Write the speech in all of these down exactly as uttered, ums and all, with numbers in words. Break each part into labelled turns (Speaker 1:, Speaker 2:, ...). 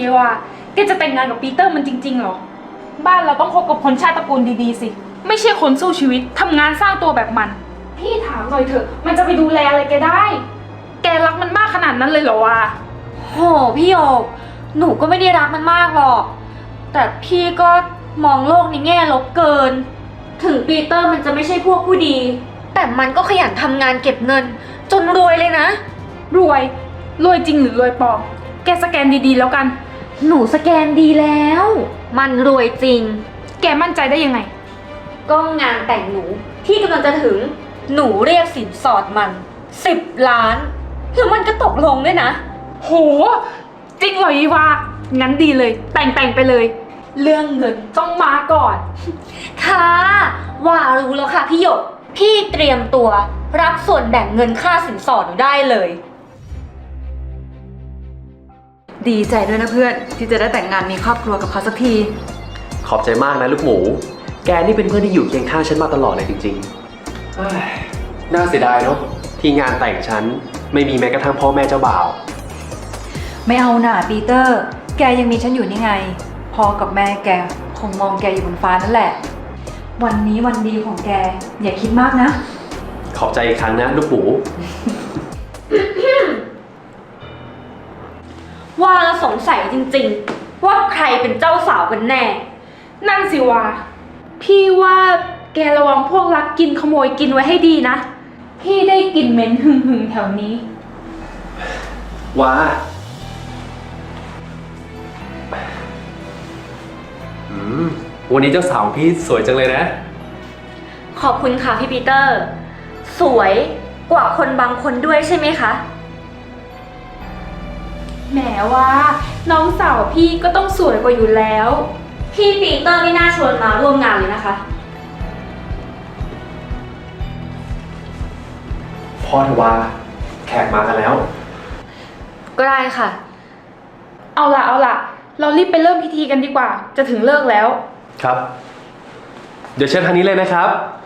Speaker 1: ทีว่าแกจะแต่งงานกับปีเตอร์มันจริงๆเหรอบ้านเราต้องคบกับคนชาติตระกูลดีๆสิไม่ใช่คนสู้ชีวิตทำงานสร้างตัวแบบมันพี่ถามหน่อยเถอะมันจะไปดูแลอะไรแกได้แกรักมันมากขนาดนั้นเลยเหรอวะ
Speaker 2: โหพี่โยกหนูก็ไม่ได้รักมันมากหรอกแต่พี่ก็มองโลกในแง่ลบเกินถึงปีเตอร์มันจะไม่ใช่พวกผู้ดีแต่มันก็ขยันทำงานเก็บเงินจนรวยเลยนะ
Speaker 1: รวยรวยจริงหรือรวยปลอมแกสแกนดีๆแล้วกัน
Speaker 2: หนูสแกนดีแล้วมันรวยจริง
Speaker 1: แกมั่นใจได้ยังไง
Speaker 2: ก็งานแต่งหนูที่กำลังจะถึงหนูเรียกสินสอดมันสิบล้านแล้วมันก็ตกลงด้วยนะ
Speaker 1: โหจริงเหรออีวางั้นดีเลยแต่งแต่งไปเลยเรื่องเงินต้องมาก่อน
Speaker 2: ค่ะว่ารู้แล้วค่ะพี่หยกพี่เตรียมตัวรับส่วนแบ่งเงินค่าสินสอดหนูได้เลย
Speaker 3: ดีใจด้วยนะเพื่อนที่จะได้แต่งงานมีครอบครัวกับเขาสักที
Speaker 4: ขอบใจมากนะลูกหมูแกนี่เป็นเพื่อนที่อยู่เคียงข้างฉันมาตลอดเลยจริงๆน่าเสียดายเนาะที่งานแต่งฉันไม่มีแม้กระทั่งพ่อแม่เจ้าบ่าว
Speaker 3: ไม่เอาหน่าปีเตอร์แกยังมีฉันอยู่นี่ไงพ่อกับแม่แกคงมองแกอยู่บนฟ้านั่นแหละวันนี้วันดีของแกอย่าคิดมากนะ
Speaker 4: ขอบใจอีกครั้งนะลูกหมู
Speaker 2: ว่าแล้วสงสัยจริงๆว่าใครเป็นเจ้าสาวกันแน่
Speaker 1: นั่นสิวะพี่ว่าแกระวังพวกลักกินขโมยกินไว้ให้ดีนะพี่ได้กลิ่นเหม็นหึ่งหึงแถวนี้
Speaker 4: ว้าอืมวันนี้เจ้าสาวพี่สวยจังเลยนะ
Speaker 2: ขอบคุณค่ะพี่ปีเตอร์สวยกว่าคนบางคนด้วยใช่ไหมคะ
Speaker 1: แหมว่าน้องสาวพี่ก็ต้องสวยกว่าอยู่แล้ว
Speaker 2: พี่ปีเตอร์ไม่น่าชวนมาร่วมงานเลยนะคะ
Speaker 4: พ่อเถอะว่าแขกมากันแล้ว
Speaker 2: ก็ได้ค่ะ
Speaker 1: เอาล่ะเอาล่ะเรารีบไปเริ่มพิธีกันดีกว่าจะถึงเลิกแล้ว
Speaker 4: ครับเดี๋ยวเชิญทางนี้เลยนะครับ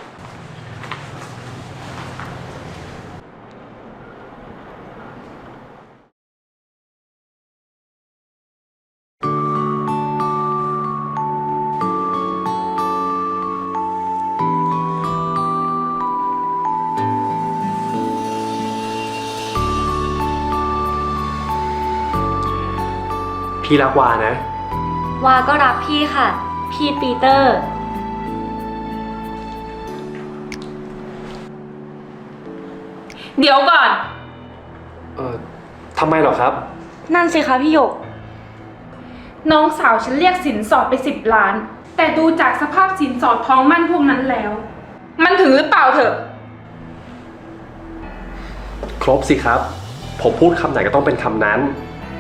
Speaker 4: พี่รักวานะ
Speaker 2: วาก็รักพี่ค่ะพี่ปีเตอร์
Speaker 1: เดี๋ยวก่อน
Speaker 4: เออทำไมหรอครับ
Speaker 2: นั่นสิคะพี่หยก
Speaker 1: น้องสาวฉันเรียกสินสอดไปสิบล้านแต่ดูจากสภาพสินสอดทองมั่นพวกนั้นแล้วมันถึงหรือเปล่าเถอะ
Speaker 4: ครบสิครับผมพูดคำไหนก็ต้องเป็นคำนั้น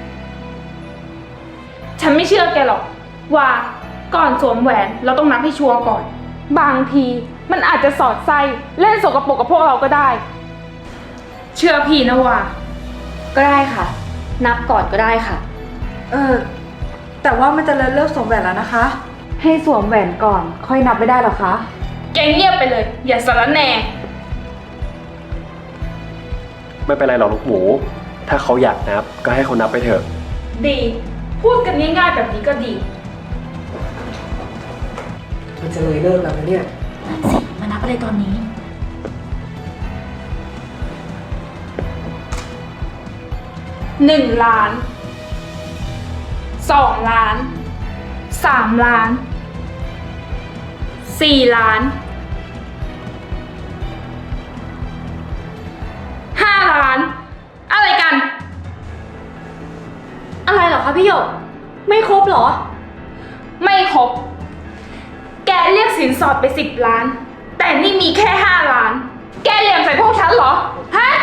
Speaker 1: ฉันไม่เชื่อแกหรอกว่าก่อนสวมแหวนเราต้องนับให้ชัวร์ก่อนบางทีมันอาจจะสอดไส้เล่นสกปรกกับพวกเราก็ได้เชื่อพี่นะว่า
Speaker 2: ก็ได้ค่ะนับก่อนก็ได้ค่ะ
Speaker 3: เออแต่ว่ามันจะเลิกสวมแหวนแล้วนะคะให้สวมแหวนก่อนค่อยนับไม่ได้หรอคะ
Speaker 1: แกเงียบไปเลยอย่าสารแหน่
Speaker 4: ไม่เป็นไรหรอกลูกหมูถ้าเขาอยากนับก็ให้เขานับไปเถอะ
Speaker 1: ดีพูดกันง่ายๆแบบนี้ก็ดี
Speaker 3: มันจะเลยเลิกแล้วนะเนี่ย
Speaker 2: มานับอะไรตอนนี้
Speaker 1: หนึ่งล้านสองล้านสามล้านสี่ล้านห้าล้านอะไรกัน
Speaker 2: อะไรเหรอคะพี่หยกไม่ครบเหรอ
Speaker 1: ไม่ครบแกเรียกสินสอดไปสิบล้านแต่นี่มีแค่ห้าล้านแกเหลี่ยมใส่พวกฉันเหรอฮะ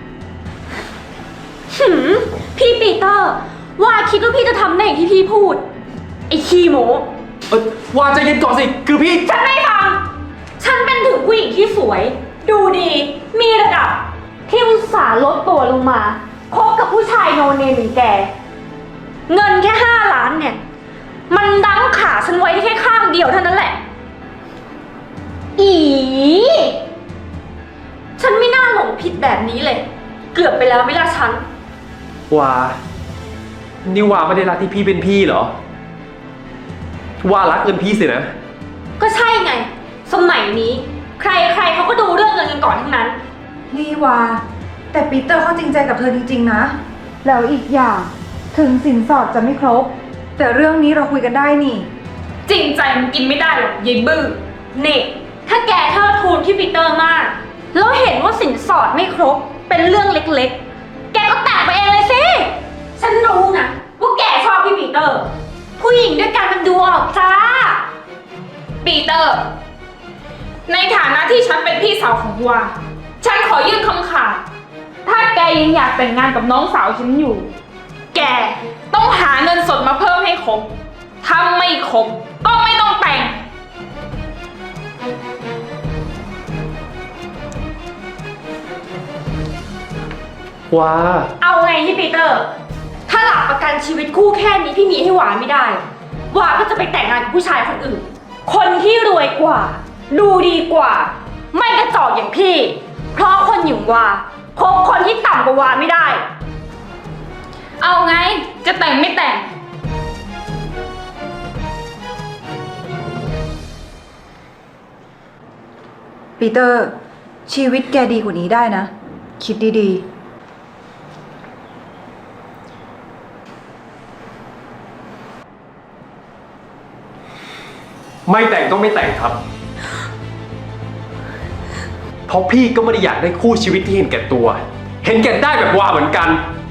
Speaker 2: หืมพี่ปีเตอร์ว่าคิดว่าพี่จะทำได้อย่างที่พี่พูดไอ้ขี้โม้
Speaker 4: เออว่าใจเย็นก่อนสิคือพี่
Speaker 2: ฉันไม่ฟังฉันเป็นถึงผู้หญิงที่สวยดูดีมีระดับที่อุตส่าห์ลดตัวลงมาคบกับผู้ชายโนเนมอย่างแกเงินแค่ห้าล้านเนี่ยมันดั้งขาฉันไว้แค่ข้างเดียวเท่านั้นแหละอีฉันไม่น่าหลงผิดแบบนี้เลยเกือบไปแล้วไม่ล่ะฉัน
Speaker 4: ว่านี่ว่าไม่ได้รักที่พี่เป็นพี่เหรอ ว่ารักเงินพี่สินะ
Speaker 2: ก็ใช่ไง สมัยนี้ ใครใครเขาก็ดูเรื่องเงินกันก่อนทั้งนั้น
Speaker 3: นี่วาแต่ปีเตอร์เขาจริงใจกับเธอจริงๆนะ แล้วอีกอย่างถึงสินสอดจะไม่ครบ แต่เรื่องนี้เราคุยกันได้นี่
Speaker 1: จริงใจมันกินไม่ได้หรอกยายบื้อ
Speaker 2: นี่ ถ้าแกเทิดทูนพี่ปีเตอร์มาก แล้วเห็นว่าสินสอดไม่ครบ เป็นเรื่องเล็กๆ แกก็แต่งไปเองเลยสิ ฉันรู้นะว่าแกชอบพี่ปีเตอร์ ผู้หญิงด้วยกันมันดูออกจ้า
Speaker 1: ปีเตอร์ ในฐานะที่ฉันเป็นพี่สาวของวา ฉันขอยื่นคำขาด ถ้าแกยังอยากแต่งงานกับน้องสาวฉันอยู่ แกต้องหาเงินสดมาเพิ่มให้ครบ ถ้าไม่ครบก็ไม่ต้องแต่ง
Speaker 4: ว่า
Speaker 2: เอาไงพี่ปีเตอร์ ถ้าหลักประกันชีวิตคู่แค่นี้พี่มีให้หวาไม่ได้หวาก็จะไปแต่งงานกับผู้ชายคนอื่น คนที่รวยกว่า ดูดีกว่า ไม่กระจอกอย่างพี่ เพราะคนอย่างวาคบคนที่ต่ำกว่าวาไม่ได้
Speaker 1: เอาไง จะแต่งไม่แต่ง
Speaker 3: ปีเตอร์ ชีวิตแกดีกว่านี้ได้นะ คิดดีๆ
Speaker 4: ไม่แต่งก็ไม่แต่งครับ เพราะพี่ก็ไม่ได้อยากได้คู่ชีวิตที่เห็นแก่ตัว เห็นแก่ได้แบบว่าเหมือนกัน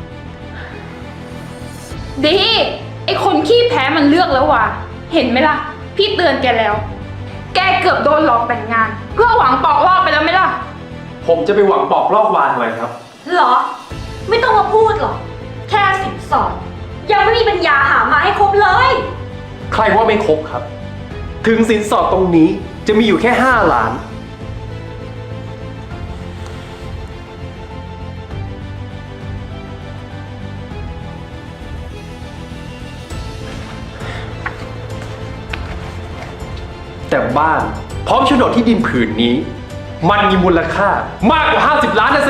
Speaker 1: ดี ไอคนขี้แพ้มันเลือกแล้วว่ะ เห็นไหมล่ะ พี่เตือนแกแล้ว แกเกือบโดนหลอกแต่งงาน เพื่อหวังปอกลอกไปแล้วไหมล่ะ
Speaker 4: ผมจะไปหวังปอกลอกวาทำไมครับ
Speaker 2: เหรอ ไม่ต้องมาพูดหรอก แค่สินสอดยังไม่มีปัญญาหามาให้ครบเลย
Speaker 4: ใครว่าไม่ครบครับ ถึงสินสอดตรงนี้จะมีอยู่แค่ห้าล้าน แต่บ้านพร้อมโฉนดที่ดินผืนนี้ มันมีมูลค่ามากกว่าห้าสิบล้านนะสิ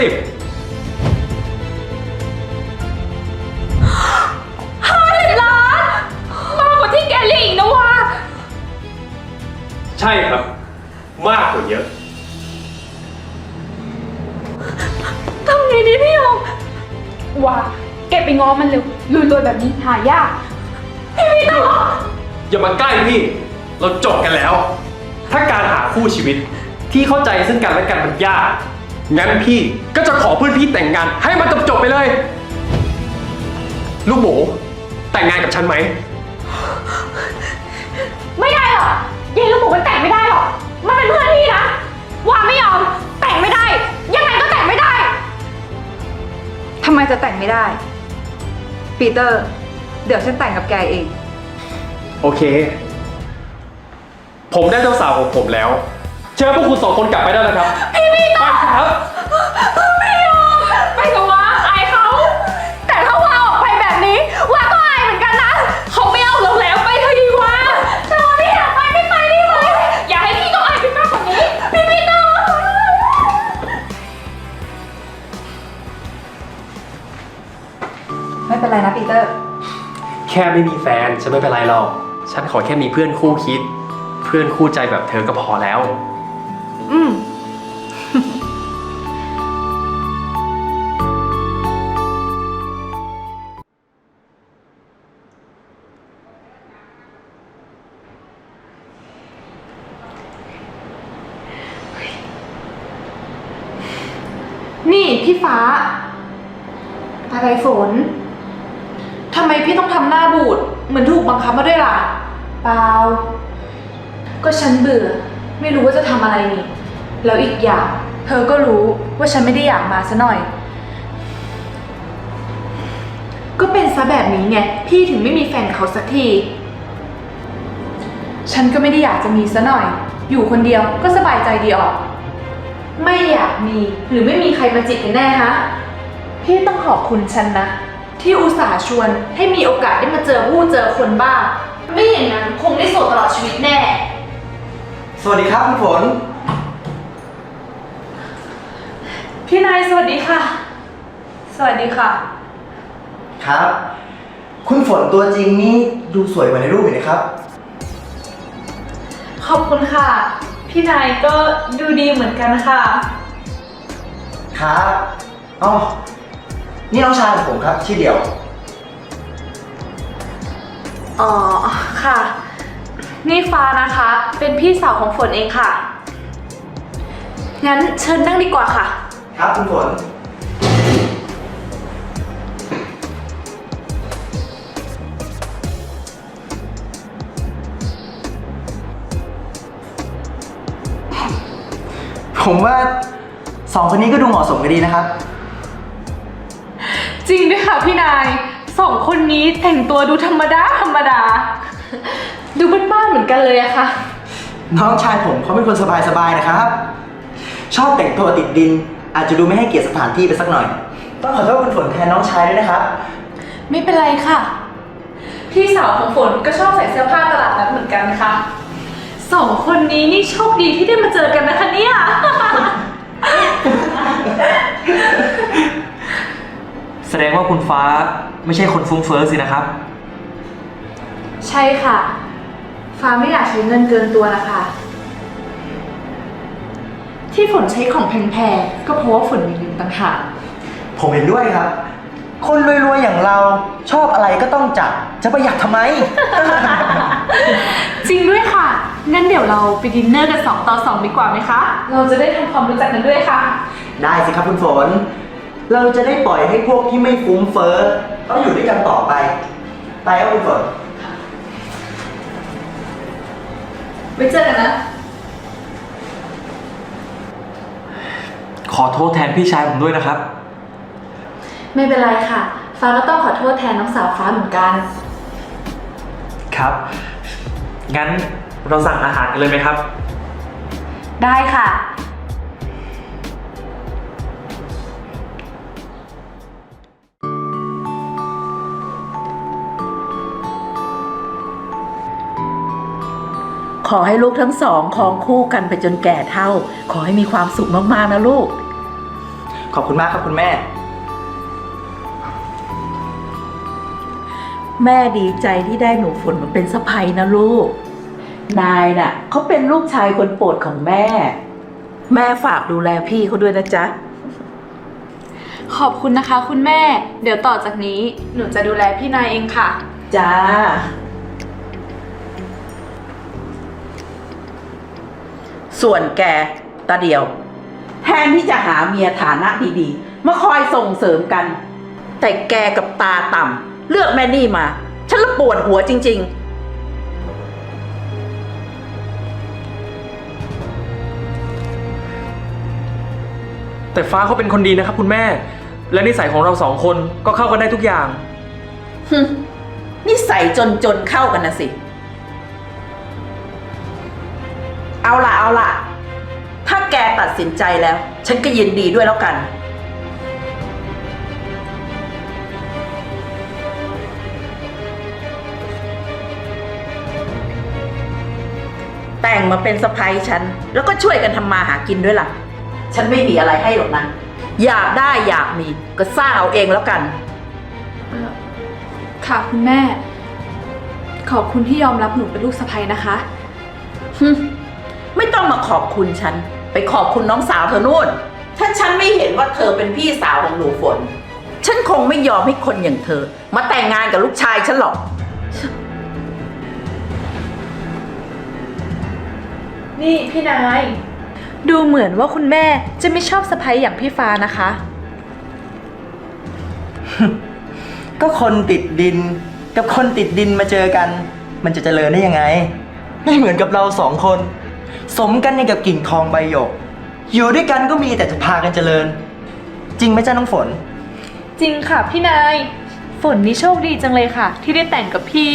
Speaker 1: ห้าสิบล้าน มากกว่าที่แกเรียกอีกนะวะ
Speaker 4: ใช่ครับ มากกว่าเยอะ
Speaker 1: ทำไงดีพี่ยงว่าแกไปง้อมันเร็วรวยๆแบบนี้หายาก พี่ไม่ต้อง
Speaker 4: อย่ามาใกล้พี่ เราจบกันแล้ว ถ้าการหาคู่ชีวิตที่เข้าใจซึ่งกันและกันมันยาก งั้นพี่ก็จะขอเพื่อนพี่แต่งงานให้มันจบจบๆไปเลย ลูกหมู แต่งงานกับฉันไหม
Speaker 2: ไม่ได้หรอกยายลูกหมูมันแต่งไม่ได้หรอก มันเป็นเพื่อนพี่นะวาไม่ยอม แต่งไม่ได้ ยังไงก็แต่งไม่ได้
Speaker 3: ทำไมจะแต่งไม่ได้ ปีเตอร์ เดี๋ยวฉันแต่งกับแกเอง
Speaker 4: โอเค ผมได้เจ้าสาวของผมแล้ว เชิญพวกคุณสองคนกลับไปได้แล้วครับ พี่พี่ไปครับ
Speaker 1: ไม่ยอมไปกับว่าอายเขา
Speaker 2: แต่ถ้าวาออกไปแบบนี้วาก็อายเหมือนกันนะ
Speaker 1: เขาไม่เอาเราแล้วไปเถอะดีกว่า
Speaker 2: จอไม่อยากไปไม่ไปได้ไหม
Speaker 1: อย่าให้พี่ต้องอายไปมากกว่านี้
Speaker 2: พี่ไม่ต้อง
Speaker 3: ไม่เป็นไรนะปีเตอร์
Speaker 4: แค่ไม่มีแฟนฉันไม่เป็นไรหรอก ฉันขอแค่มีเพื่อนคู่คิด เพื่อนคู่ใจแบบเธอก็พอแล้ว
Speaker 3: อืม
Speaker 5: นี่พี่ฟ้า อะไรฝน ทำไมพี่ต้องทำหน้าบูด เหมือนถูกบังคับมาด้วยล่ะ เปล่า ก็ฉันเบื่อ ไม่รู้ว่าจะทำอะไรนี่ แล้วอีกอย่าง เธอก็รู้ว่าฉันไม่ได้อยากมาซะหน่อย ก็เป็นซะแบบนี้ไง พี่ถึงไม่มีแฟนกับเขาสักที ฉันก็ไม่ได้อยากจะมีซะหน่อย อยู่คนเดียวก็สบายใจดีออก ไม่อยากมีหรือไม่มีใครมาจีบกันแน่ฮะ พี่ต้องขอบคุณฉันนะ ที่อุตส่าห์ชวนให้มีโอกาสได้มาเจอผู้เจอคนบ้าง ไม่อย่างนั้นคงได้โสดตลอดชีวิตแน่
Speaker 6: สวัสดีครับคุณฝน
Speaker 5: พี่นายสวัสดีค่ะ สวัสดีค่ะ
Speaker 6: ครับคุณฝนตัวจริงนี่ดูสวยกว่าในรูปอีกนะครับ
Speaker 5: ขอบคุณค่ะ พี่นายก็ดูดีเหมือนกันค่ะ
Speaker 6: ครับอ๋อนี่น้องชายของผมครับ ชื่อเดียว
Speaker 5: อ๋อ ค่ะ นี่ฟ้านะคะ เป็นพี่สาวของฝนเองค่ะ งั้นเชิญนั่งดีกว่าค่ะ
Speaker 6: ครับคุณฝน ผมว่าสองคนนี้ก็ดูเหมาะสมกันดีนะครับ
Speaker 5: จริงด้วยค่ะพี่นาย สองคนนี้แต่งตัวดูธรรมดาธรรมดา ดูบ้านๆเหมือนกันเลยอะค่ะ
Speaker 6: น้องชายผมเขาเป็นคนสบายๆนะครับ ชอบแต่งตัวติดดิน อาจจะดูไม่ให้เกียรติสถานที่ไปสักหน่อย ต้องขอโทษคุณฝนแทนน้องชายด้วยนะครับ
Speaker 5: ไม่เป็นไรค่ะ พี่สาวของฝนก็ชอบใส่เสื้อผ้าตลาดนัดเหมือนกันค่ะ สองคนนี้นี่โชคดีที่ได้มาเจอกันนะคะเนี่ย
Speaker 7: แสดงว่าคุณฟ้าไม่ใช่คนฟุ้งเฟ้อสินะครับ
Speaker 5: ใช่ค่ะ ฟ้าไม่อยากใช้เงินเกินตัวนะคะ ที่ฝนใช้ของแพงๆก็เพราะว่าฝนมีเงินต่างหาก
Speaker 6: ผมเห็นด้วยครับ คนรวยๆอย่างเราชอบอะไรก็ต้องจัด จะประหยัดทำไม
Speaker 5: จริงด้วยค่ะ งั้นเดี๋ยวเราไปดินเนอร์กันสองต่อสองดีกว่าไหมคะ เราจะได้ทำความรู้จักกันด้วยค่ะ
Speaker 6: ได้สิครับคุณฝน เราจะได้ปล่อยให้พวกที่ไม่ฟุ้งเฟ้อต้องอยู่ด้วยกันต่อไป ไปครับคุณฝน
Speaker 5: ไว้เจอกันนะ
Speaker 7: ขอโทษแทนพี่ชายผมด้วยนะครับ
Speaker 5: ไม่เป็นไรค่ะ ฟ้าก็ต้องขอโทษแทนน้องสาวฟ้าเหมือนกัน
Speaker 7: ครับ งั้นเราสั่งอาหารกันเลยไหมครับ
Speaker 5: ได้ค่ะ
Speaker 8: ขอให้ลูกทั้งสองครองคู่กันไปจนแก่เฒ่า ขอให้มีความสุขมากๆนะลูก
Speaker 6: ขอบคุณมากครับคุณแม่
Speaker 8: แม่ดีใจที่ได้หนูฝนมาเป็นสะใภ้นะลูก นายน่ะเขาเป็นลูกชายคนโปรดของแม่ แม่ฝากดูแลพี่เขาด้วยนะจ๊ะ
Speaker 5: ขอบคุณนะคะคุณแม่ เดี๋ยวต่อจากนี้หนูจะดูแลพี่นายเองค่ะ
Speaker 8: จ้า ส่วนแกตาเดียว แทนที่จะหาเมียฐานะดีๆ มาคอยส่งเสริมกัน แต่แกกับตาต่ำเลือกแม่นี่มา ฉันละปวดหัวจริงๆ
Speaker 7: แต่ฟ้าเขาเป็นคนดีนะครับคุณแม่ และนิสัยของเราสองคนก็เข้ากันได้ทุกอย่าง
Speaker 8: ฮึนิสัยจนๆเข้ากันนะสิ เอาล่ะเอาล่ะ ถ้าแกตัดสินใจแล้ว ฉันก็ยินดีด้วยแล้วกัน แต่งมาเป็นสะใภ้ฉัน แล้วก็ช่วยกันทำมาหากินด้วยล่ะ ฉันไม่มีอะไรให้หรอกนะ อยากได้อยากมีก็สร้างเอาเองแล้วกัน
Speaker 5: ค่ะคุณแม่ ขอบคุณที่ยอมรับหนูเป็นลูกสะใภ้นะคะ
Speaker 8: ฮึไม่ต้องมาขอบคุณฉัน ไปขอบคุณน้องสาวเธอนู่น ถ้าฉันไม่เห็นว่าเธอเป็นพี่สาวของหนูฝน ฉันคงไม่ยอมให้คนอย่างเธอ มาแต่งงานกับลูกชายฉันหรอก
Speaker 5: นี่พี่นาย ดูเหมือนว่าคุณแม่จะไม่ชอบสะใภ้อย่างพี่ฟ้านะคะ
Speaker 6: ก็คนติดดินกับคนติดดินมาเจอกัน มันจะเจริญได้ยังไง ไม่เหมือนกับเราสองคน สมกันอย่างกับกิ่งทองใบหยก อยู่ด้วยกันก็มีแต่จะพากันเจริญ จริงไหมจ้าน้องฝน
Speaker 5: จริงค่ะพี่นาย ฝนนี่โชคดีจังเลยค่ะ ที่ได้แต่งกับพี่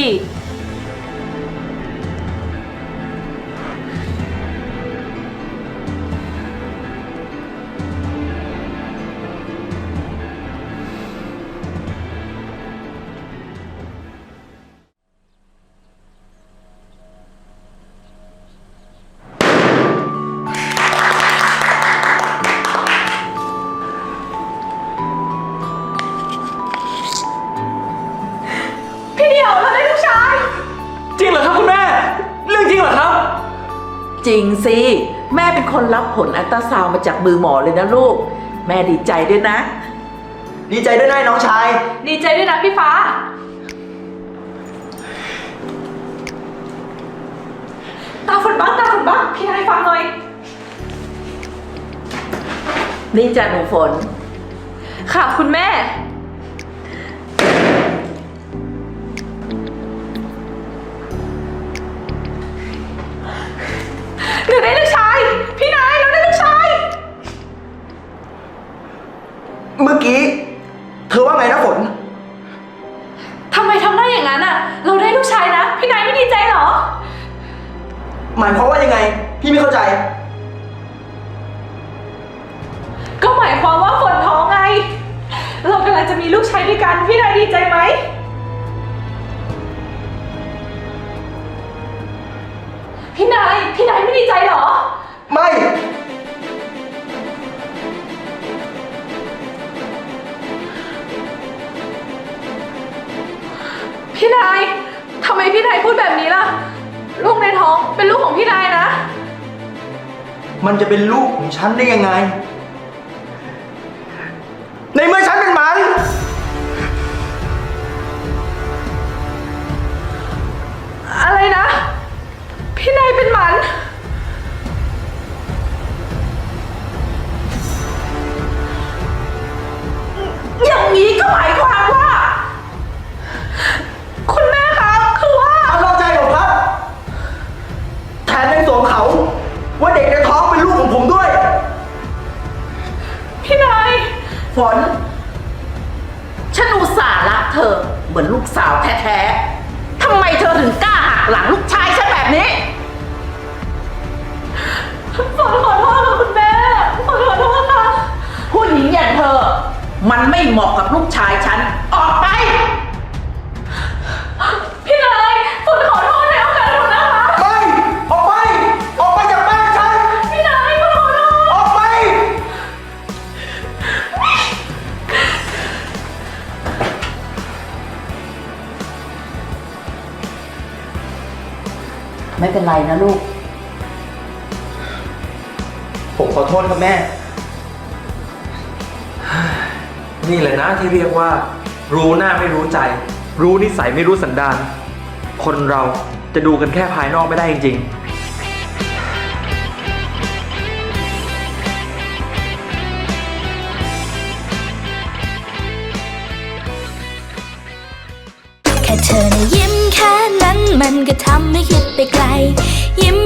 Speaker 7: จริงเหรอครับคุณแม่ เรื่องจริงเหรอครับ
Speaker 8: จริงสิ แม่เป็นคนรับผลอัลตราซาวด์มาจากมือหมอเลยนะลูก แม่ดีใจด้วยนะ
Speaker 6: ดีใจด้วยนะน้องชาย
Speaker 5: ดีใจด้วยนะพี่ฟ้า ตาฝนบ้างตาฝนบ้างพี่นายฟังหน่อย
Speaker 8: นี่จ้ะหนูฝน
Speaker 5: ค่ะคุณแม่ หนูได้ลูกชาย พี่นายเราได้ลูกชาย
Speaker 6: เมื่อกี้ เธอว่าไงนะฝน
Speaker 5: ทำไมทำได้อย่างนั้นอ่ะ เราได้ลูกชายนะ พี่นายไม่ดีใจเหรอ
Speaker 6: หมายความว่ายังไง พี่ไม่เข้าใจ
Speaker 5: ก็หมายความว่าฝนท้องไง เรากำลังจะมีลูกชายด้วยกัน พี่นายดีใจไหม พี่นาย พี่นายไม่ดีใจเหรอ
Speaker 6: ไม่
Speaker 5: พี่นาย ทำไมพี่นายพูดแบบนี้ล่ะ ลูกในท้องเป็นลูกของพี่นายนะ
Speaker 6: มันจะเป็นลูกของฉันได้ยังไง ในเมื่อฉันเป็นหมัน
Speaker 5: อะไรนะ พี่นายเป็นหมัน
Speaker 8: อย่างนี้ก็หมายความว่า
Speaker 5: คุณแม่คะคือว่า
Speaker 6: เอานอกใจผมครับ แถมยังสวมเขา ว่าเด็กในท้องเป็นลูกของผมด้วย
Speaker 5: พี่นาย
Speaker 8: ฝน ฉันอุตส่าห์รักเธอ เหมือนลูกสาวแท้ๆ ทำไมเธอถึงกล้าหักหลังลูกชายฉันแบบนี้
Speaker 5: ฝนขอโทษค่ะคุณแม่ฝนขอโทษค่ะ
Speaker 8: ผู้หญิงอย่างเธอ มันไม่เหมาะกับลูกชายฉัน ออกไป
Speaker 5: พี่นายฝนขอโทษในโอกาสหนูนะคะ
Speaker 6: ไม่ ออกไป ออกไปจากบ้านฉัน
Speaker 5: พี่นายฝนขอโทษ
Speaker 6: ออกไป
Speaker 8: ไม่เป็นไรนะลูก
Speaker 6: ผมขอโทษครับแม่
Speaker 7: นี่แหละนะที่เรียกว่า รู้หน้าไม่รู้ใจ รู้นิสัยไม่รู้สันดาน คนเราจะดูกันแค่ภายนอกไม่ได้จริงๆ
Speaker 9: แค่เธอนะยิ้มแค่นั้นมันก็ทำให้คิดไปไกล ยิ้ม